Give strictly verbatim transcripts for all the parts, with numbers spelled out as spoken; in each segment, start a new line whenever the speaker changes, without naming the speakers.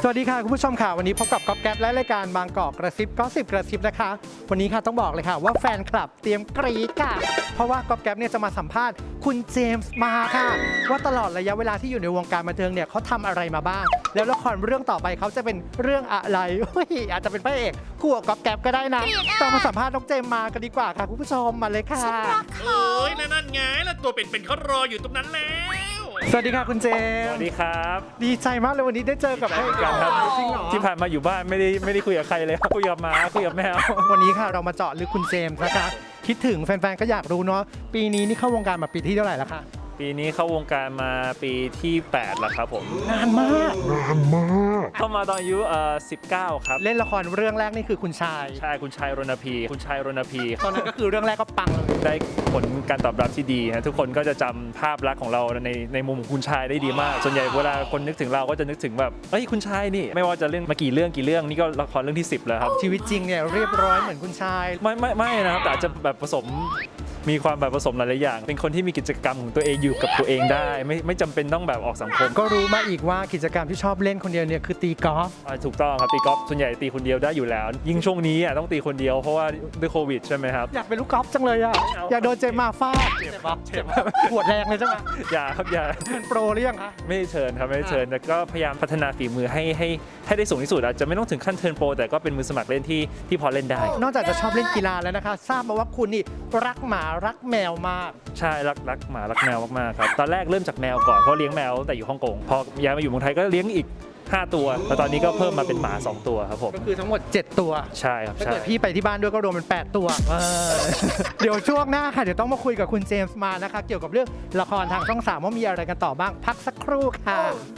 สวัสดีค่ะคุณผู้ชมค่ะวันนี้พบกับก๊อฟแก๊ปและรายการบางกอกกระซิบก็สิบกระซิบนะคะวันนี้ค่ะต้องบอกเลยค่ะว่าแฟนคลับเตรียมกรี๊ดค่ะเพราะว่าก๊อฟแก๊ปเนี่ยจะมาสัมภาษณ์คุณเจมส์มาค่ะว่าตลอดระยะเวลาที่อยู่ในวงการบันเทิงเนี่ยเขาทำอะไรมาบ้างแล้วละครเรื่องต่อไปเขาจะเป็นเรื่องอะไรอาจจะเป็นพระเอกคู่กับก๊อฟแก๊ปก็ได้นะต้องมาสัมภาษณ์น้องเจมส์มากันดีกว่าค่ะคุณผู้ชมมาเลยค่ะ
เอ้ยนั่นไงแล้วตัวเป็นๆเขารออยู่ตรงนั้นแล้ว
สวัสดีค่ะคุณเจม
ส
ส์
วัสดีครับ
ดีใจมากเลยวันนี้ได้เจอกับพระเอก
กันครับ
จริงเหรอ
ที่ผ่านมาอยู่บ้านไม่ได้ไม่ได้คุยกับใครเลยครับคุยกับหมาคุยกับแมว
วันนี้ค่ะเรามาเจาะลึกคุณเจมส์นะคะคิดถึงแฟนๆก็อยากรู้เนาะปีนี้นี่เข้าวงการมาปีที่เท่าไหร่แล้วคะ
ปีนี้เข้าวงการมาปีที่แปดแล้วครับผม
นานมาก
เข้ามาตอนอายุเอ่อสิบเก้าครับ
เล่นละครเรื่องแรกนี่คือคุณชาย
ใช่คุณชายรณพีคุณชายรณพี
ตอนนั้นก็คือเรื่องแรกก็ปังเลย
ได้ผลการตอบรับที่ดีนะทุกคนก็จะจำภาพลักษณ์ของเราในในมุมของคุณชายได้ดีมาก ส่วนใหญ่เวลาคนนึกถึงเราก็จะนึกถึงแบบเอ้ยคุณชายนี่ไม่ว่าจะเล่นมากี่เรื่องกี่เรื่องนี่ก็ละครเรื่องที่สิบแล้วครับ
ชีวิตจริงเนี่ยเรียบร้อยเหมือนคุณชาย
ไม่ไม่ไม่นะครับแต่อาจจะแบบผสมมีความแบบผสมหลายๆอย่าง เป็นคนที่มีกิจกรรมของตัวเองอยู่กับตัวเองได้ ไม่ไม่จำเป็นต้องแบบออกสังคม
ก็รู้มาอีกว่ากิจกรรมที่ชอบเล่นคนเดียวเนี่ยคือตีกอล์ฟ
อ่าถูกต้องครับตีกอล์ฟส่วนใหญ่ตีคนเดียวได้อยู่แล้ว ยิ่งช่วงนี้อ่ะต้องตีคนเดียวเพราะว่าด้วยโควิดใช่ไหมครับ
อยากเป็นลูกกอล์ฟจังเลยอ่ะอยากโดนเจมส์มาฟาดเจ็บปะเจ็บปวดแรงเลยใช่ไหม
อย่าครับอย่า
เป็นโปรหรือยังคะ
ไม่ได้เชิญครับไม่ได้เชิญแต่ก็พยายามพัฒนาฝีมือให้ให้ให้ได้สูงที่สุดอาจจะไม่ต้องถึงขั้นเทิร์นโปรแต่ก็เป็นมือสมัครเล่นที่ที่พอเล่นได้
นอกจากจะชอบเล่นกีฬาแล้วนะคะทราบมาว่าคุณนี่รักหมารักแมวมาก
ใช่รักรักหมารักแมวมากๆครับตอนแรกเริ่มจากแมวก่อนเพราะเลี้ยงแมวตั้งแต่อยู่ฮ่องกงพอย้ายมาอยู่เมืองไทยก็เลี้ยงอีกห้าตัวแล้วตอนนี้ก็เพิ่มมาเป็นหมาสองตัวครับผม
ก็คือทั้งหมดเจ็ดตัว
ใช่ครับ
ถ้า
ใช่
เกิดพี่ไปที่บ้านด้วยก็รวมเป็นแปดตัว เดี๋ยวช่วงหน้าค่ะ เดี๋ยวต้องมาคุยกับคุณเจมส์มานะคะ เกี่ยวกับเรื่องละครทางช่องสามว่ามีอะไรกันต่อบ้าง พักสักครู่ค่ะ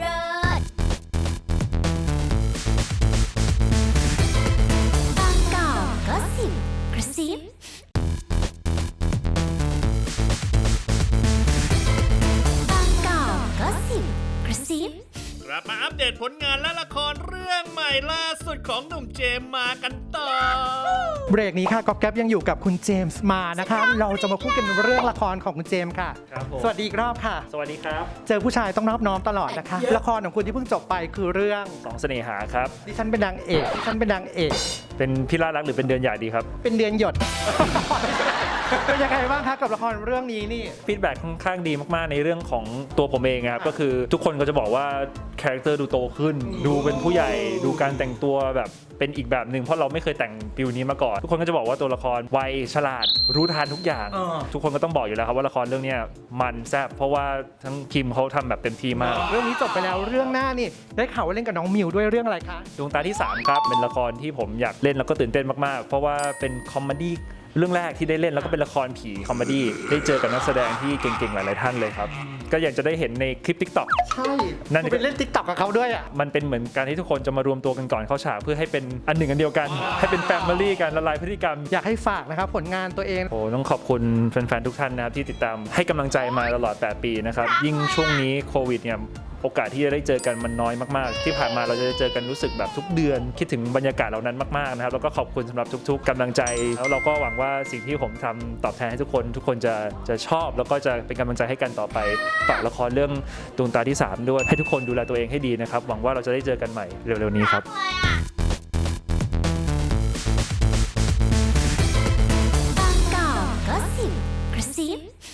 บางกอกก็สิบกระซิบางกอกก็สิบกระซิบ
กลับมาอัปเดตผลงานและละครเรื่องใหม่ล่าสุดของหนุ่มเจมส์มากันต่อ
เบรกนี้ค่ะก๊อฟแก๊ปยังอยู่กับคุณเจมส์มานะคะ เราจะมาพูดกันเรื่องละครของคุณเจมส์ค่ะ
ครับผม
สวัสดีอีกรอบค่ะ
สวัสดีครับ
เจอผู้ชายต้องนอบน้อมตลอดนะคะ ละครของคุณที่เพิ่งจบไปคือเรื่อง
สองเสน่หาครับ
ดิฉันเป็นนางเอกดิฉันเป็นนางเอก
เป็นพี่ลาดรักหรือเป็นเดือนใหญ่ดีครับ
เป็นเดือนหยด เป็นยังไงบ้างคะกับละครเรื่องนี้นี่
ฟีดแบ็กค่อนข้างดีมากๆในเรื่องของตัวผมเองครับก็คือทุกคนก็จะบอกว่าคาแรคเตอร์ดูโตขึ้น ดูเป็นผู้ใหญ่ดูการแต่งตัวแบบเป็นอีกแบบหนึ่งเพราะเราไม่เคยแต่งฟิลนี้มาก่อนทุกคนก็จะบอกว่าตัวละครไวฉลาดรู้ทันทุกอย่าง
เออ
ทุกคนก็ต้องบอกอยู่แล้วครับว่าละครเรื่องเนี้ยมันแซ่บเพราะว่าทั้งคิมเขาทำแบบเต็มที่มาก
เรื่องนี้จบไปแล้วเรื่องหน้านี่ได้ข่าวว่าเล่นกับน้องมิวด้วยเรื่องอะไรคะ
ดวงตาที่สามครับเป็นละครที่ผมอยากเล่นแล้วก็ตื่นเต้นมากๆ เพราะว่าเป็นคอมเมดี้เรื่องแรกที่ได้เล่นแล้วก็เป็นละครผีคอมเมดี้ได้เจอกับนักแสดงที่เก่งๆหลายๆท่านเลยครับก็อยากจะได้เห็นในคลิป ติ๊กต็อก
ใช่
นั่น
คุณไปเล่นติ๊กต็อกกับเขาด้วยอ่ะ
มันเป็นเหมือนการที่ทุกคนจะมารวมตัวกันก่อนเข้าฉากเพื่อให้เป็นอันหนึ่งอันเดียวกัน ให้เป็นแฟมิลี่กันละลายพฤติกรรม
อยากให้ฝากนะครับผลงานตัวเอง
โอ้ต้องขอบคุณแฟนๆทุกท่านนะครับที่ติดตามให้กำลังใจมาตลอดแปดปีนะครับยิ่งช่วงนี้โควิดเนี่ยโอกาสที่จะได้เจอกันมันน้อยมากๆที่ผ่านมาเราจะได้เจอกันรู้สึกแบบทุกเดือนคิดถึงบรรยากาศเหล่านั้นมากๆนะครับแล้วก็ขอบคุณสำหรับทุกๆกำลังใจแล้วเราก็หวังว่าสิ่งที่ผมทำตอบแทนให้ทุกคน ทุกคนจะจะชอบแล้วก็จะเป็นกำลังใจให้กันต่อไปฝากละครเรื่องดวงตาที่สามด้วยให้ทุกคนดูแลตัวเองให้ดีนะครับหวังว่าเราจะได้เจอกันใหม่เร็วๆนี้ครับ
บางกอกก็สิบกระซิบ